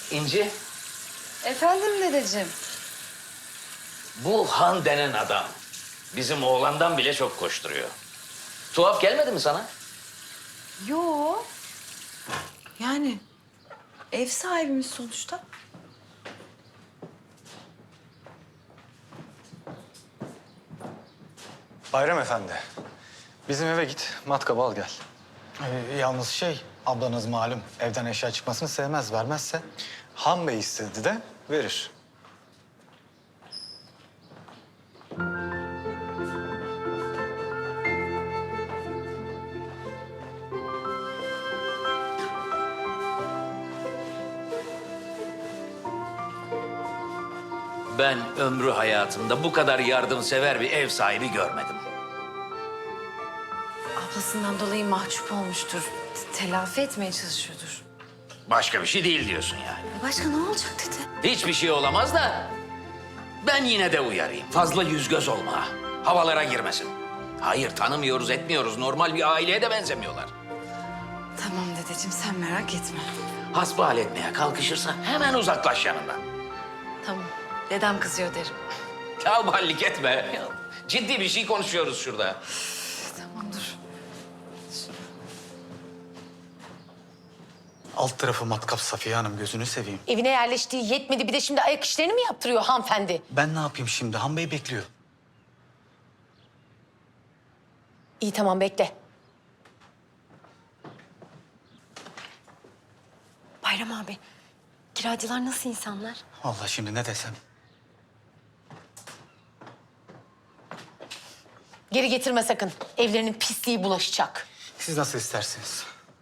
İnci, Efendim dedeciğim. bu Han denen adam bizim oğlandan bile çok koşturuyor. Tuhaf gelmedi mi sana? Yo. Yani ev sahibimiz sonuçta. Bayram Efendi, bizim eve git, matkabı al gel. Yalnız ablanız malum evden eşya çıkmasını sevmez, vermezse. Han Bey istedi de verir. Ben ömrü hayatımda bu kadar yardımsever bir ev sahibi görmedim. Ablasından dolayı mahcup olmuştur. Telafi etmeye çalışıyordur. Başka bir şey değil diyorsun yani. Başka ne olacak dede? Hiçbir şey olamaz da ben yine de uyarayım. Fazla yüz göz olma. Havalara girmesin. Hayır, tanımıyoruz, etmiyoruz. Normal bir aileye de benzemiyorlar. Tamam dedeciğim sen merak etme. Hasbihal etmeye kalkışırsa hemen uzaklaş yanından. Tamam. Dedem kızıyor derim. Tavballik etme. Ciddi bir şey konuşuyoruz şurada. Tamam dur. Alt tarafı matkap Safiye Hanım, gözünü seveyim. Evine yerleştiği yetmedi bir de şimdi ayak işlerini mi yaptırıyor hanımefendi? Ben ne yapayım şimdi? Han Bey bekliyor. İyi tamam bekle. Bayram abi, kiracılar nasıl insanlar? Vallahi şimdi ne desem. Geri getirme sakın. Evlerinin pisliği bulaşacak. Siz nasıl isterseniz.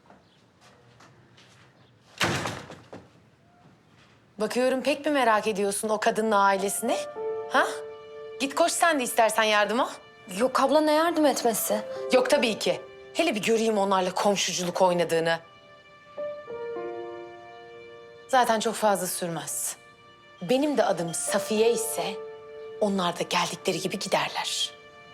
Bakıyorum pek mi merak ediyorsun o kadının ailesini? Ha? Git koş sen de istersen yardıma. Yok abla ne yardım etmesi? Yok tabii ki. Hele bir göreyim onlarla komşuculuk oynadığını. Zaten çok fazla sürmez. Benim de adım Safiye ise onlar da geldikleri gibi giderler.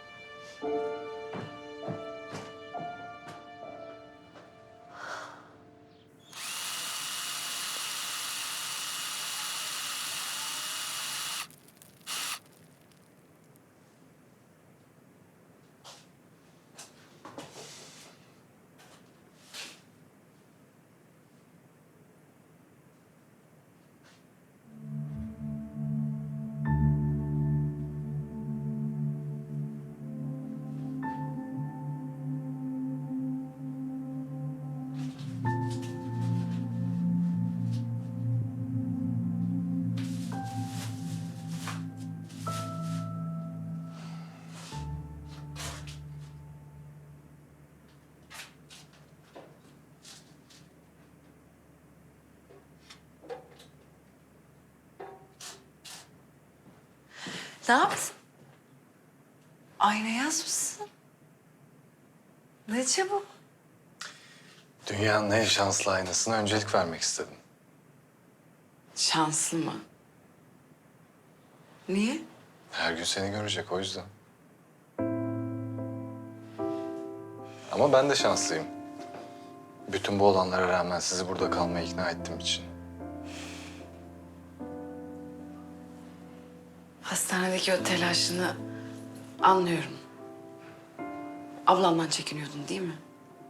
Ne yaptın? Ayna yazmışsın. Ne çabuk. Dünyanın en şanslı aynasına öncelik vermek istedim. Şanslı mı? Niye? Her gün seni görecek o yüzden. Ama ben de şanslıyım. Bütün bu olanlara rağmen sizi burada kalmaya ikna ettiğim için. Hastanedeki o telaşını anlıyorum. Ablamdan çekiniyordun değil mi?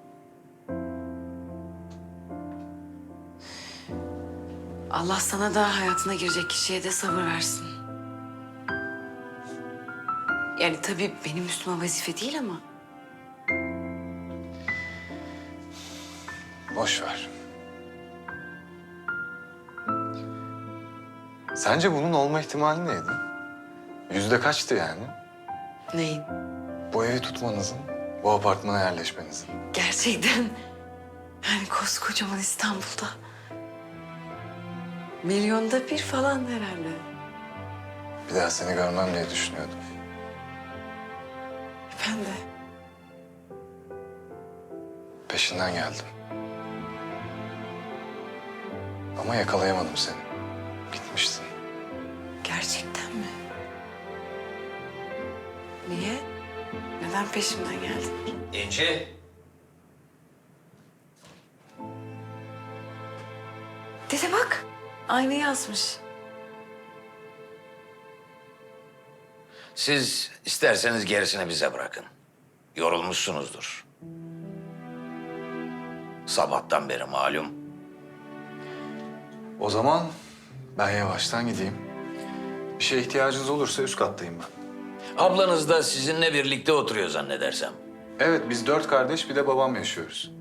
Allah sana da hayatına girecek kişiye de sabır versin. Yani tabii benim üstüme vazife değil ama. Boş ver. Sence bunun olma ihtimali neydi? Yüzde kaçtı yani? Neyin? Bu evi tutmanızın, bu apartmana yerleşmenizin. Gerçekten yani koskocaman İstanbul'da. Milyonda bir falan herhalde. Bir daha seni görmem diye düşünüyordum. Ben de. Peşinden geldim. Ama yakalayamadım seni. Gitmiştin. Gerçekten mi? Niye? Neden peşimden geldin? İnci. Dede bak. Aynı yazmış. Siz isterseniz gerisini bize bırakın. Yorulmuşsunuzdur. Sabahtan beri malum. O zaman ben yavaştan gideyim. Bir şeye ihtiyacınız olursa üst kattayım ben. Ablanız da sizinle birlikte oturuyor zannedersem. Evet, biz 4 kardeş bir de babam yaşıyoruz.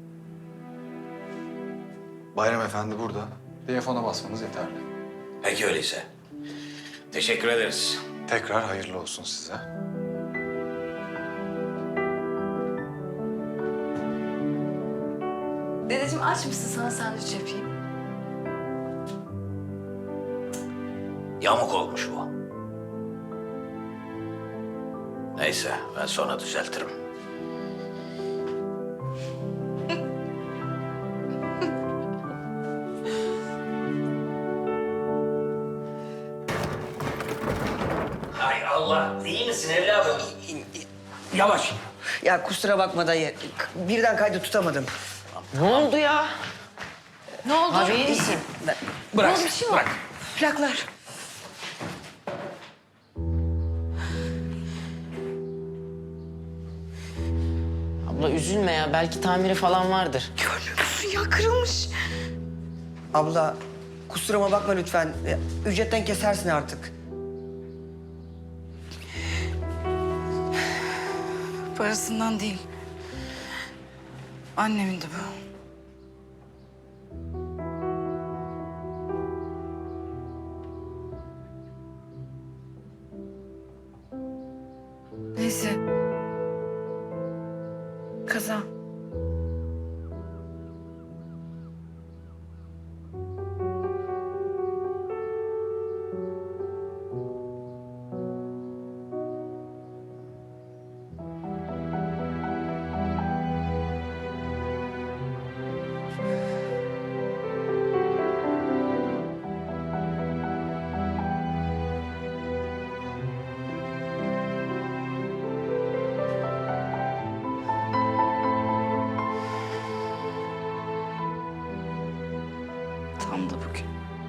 Bayram Efendi burada. Telefona basmanız yeterli. Peki öyleyse. Teşekkür ederiz. Tekrar hayırlı olsun size. Dedeciğim aç mısın? Sana sandviç yapayım. Yamuk olmuş bu. Neyse, ben sonra düzeltirim. Hay Allah, iyi misin evladım? Yavaş. Ya kusura bakma dayı. Birden kaydı tutamadım. Ne oldu ya? Ne oldu? Abi iyi misin? Bırak, bir şey mi bırak. Plaklar. Abla üzülme ya. Belki tamiri falan vardır. Görmüyor musun ya kırılmış. Abla kusuruma bakma lütfen. Ücretten kesersin artık. Parasından değil. Annemin de bu. Neyse. Kaza. Tam da bugün.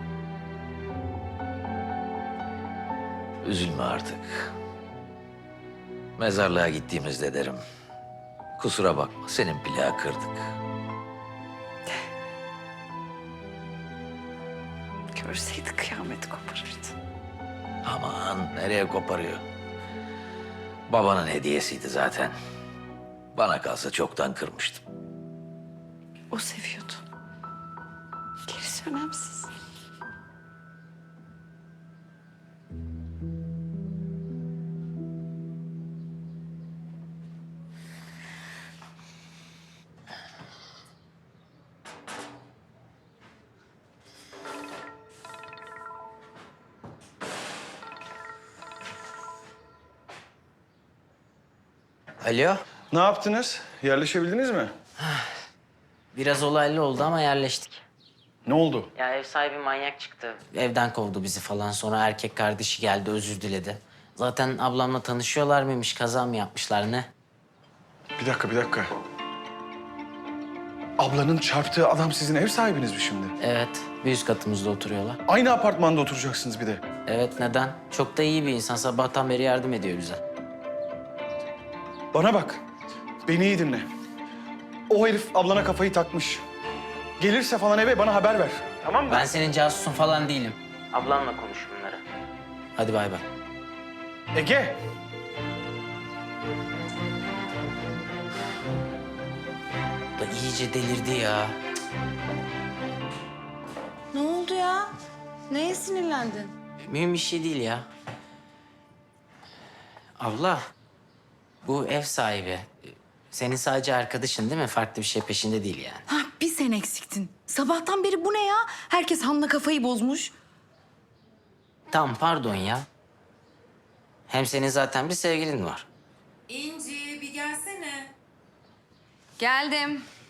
Üzülme artık. Mezarlığa gittiğimizde derim. Kusura bakma, senin plağı kırdık. Görseydi kıyameti koparırdı. Aman nereye koparıyor? Babanın hediyesiydi zaten. Bana kalsa çoktan kırmıştım. O seviyordu. Gerisi önemsiz. Alo. Ne yaptınız? Yerleşebildiniz mi? Biraz olaylı oldu ama yerleştik. Ne oldu? Ya ev sahibi manyak çıktı. Evden kovdu bizi falan. Sonra erkek kardeşi geldi, özür diledi. Zaten ablamla tanışıyorlar mıymış, kaza mı yapmışlar ne? Bir dakika. Ablanın çarptığı adam sizin ev sahibiniz mi şimdi? Evet, bir üst katımızda oturuyorlar. Aynı apartmanda oturacaksınız bir de. Evet, neden? Çok da iyi bir insan. Sabahtan beri yardım ediyor bize. Bana bak. Beni iyi dinle. O herif ablana kafayı takmış. Gelirse falan eve bana haber ver. Tamam mı? Ben senin casusun falan değilim. Ablamla konuş bunları. Hadi bay bay. Ege! Da iyice delirdi ya. Ne oldu ya? Neye sinirlendin? Mühim bir şey değil ya. Abla, bu ev sahibi. Senin sadece arkadaşın değil mi? Farklı bir şey peşinde değil yani. Ha, bir sen eksiktin. Sabahtan beri bu ne ya? Herkes Han'la kafayı bozmuş. Tamam, pardon ya. Hem senin zaten bir sevgilin var. İnci bir gelsene. Geldim.